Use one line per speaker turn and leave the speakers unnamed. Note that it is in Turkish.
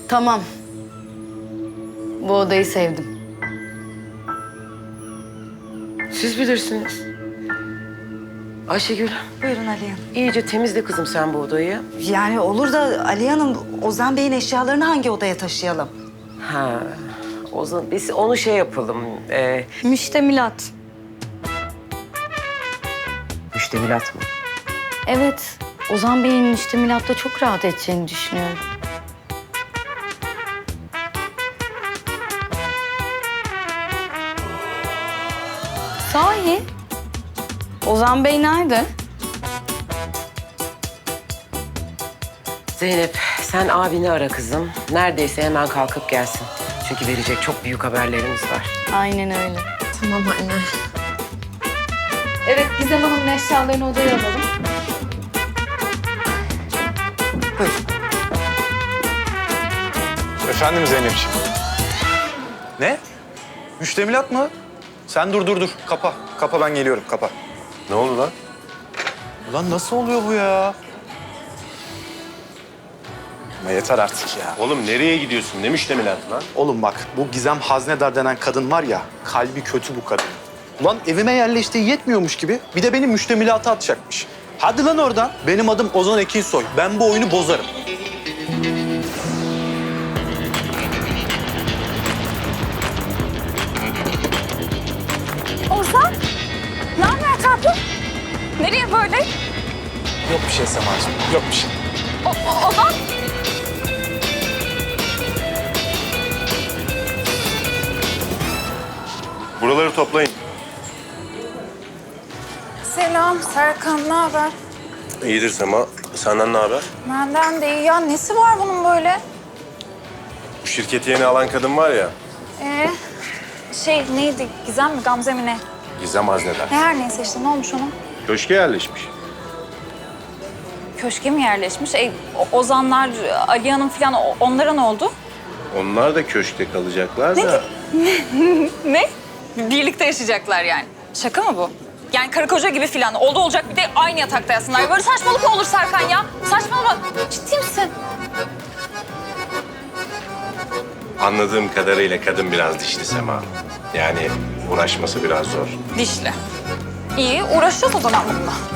Tamam. Bu odayı sevdim.
Siz bilirsiniz. Ayşegül,
Buyurun Aliye Hanım.
iyice temizle kızım sen bu odayı.
Yani olur da Aliye Hanım, Ozan Bey'in eşyalarını hangi odaya taşıyalım?
Ha, o zaman biz onu şey yapalım.
Müştemilat.
Müştemilat mı?
Evet. Ozan Bey'in müştemilatta çok rahat edeceğini düşünüyorum. Sahi? Ozan Bey nerede?
Zeynep, sen abini ara kızım. Neredeyse hemen kalkıp gelsin. Çünkü verecek çok büyük haberlerimiz var.
Aynen öyle.
Tamam anne.
Evet, Gizem Hanım'ın eşyalarını odaya alalım.
Efendim Zeynepciğim. Ne? Müştemilat mı? Sen dur. Kapa. Kapa ben geliyorum. Kapa.
Ne oldu lan?
Ulan nasıl oluyor bu ya? Ama yeter artık ya.
Oğlum nereye gidiyorsun? Ne müştemilatı lan?
Oğlum bak bu Gizem Haznedar denen kadın var ya, kalbi kötü bu kadın. Ulan evime yerleştiği yetmiyormuş gibi bir de beni müştemilata atacakmış. Hadi lan oradan. Benim adım Ozan Ekinsoy. Ben bu oyunu bozarım.
Ozan, ne haber tatlım? Nereye böyle?
Yok bir şey Semacığım, yok bir şey.
Ozan?
Buraları toplayın.
Selam Serkan, ne haber?
İyidir Sema. Senden ne haber?
Benden de iyi. Ya nesi var bunun böyle?
Bu şirketi yeni alan kadın var ya.
Neydi? Gizem mi, Gamze mi ne?
Gizem Haznedar.
Ne her neyse işte, ne olmuş onun?
Köşke yerleşmiş.
Köşke mi yerleşmiş? Ozanlar, Ali Hanım falan onlara ne oldu?
Onlar da köşkte kalacaklar da.
Ne? Birlikte yaşayacaklar yani. Şaka mı bu? Yani karı koca gibi falan. Oldu olacak bir de aynı yatakta yatsınlar. Böyle saçmalık mı olur Serkan ya? Saçmalama. Ciddi misin?
Anladığım kadarıyla kadın biraz dişli Sema. Yani uğraşması biraz zor.
Dişli. İyi, uğraşacağız o zaman bununla.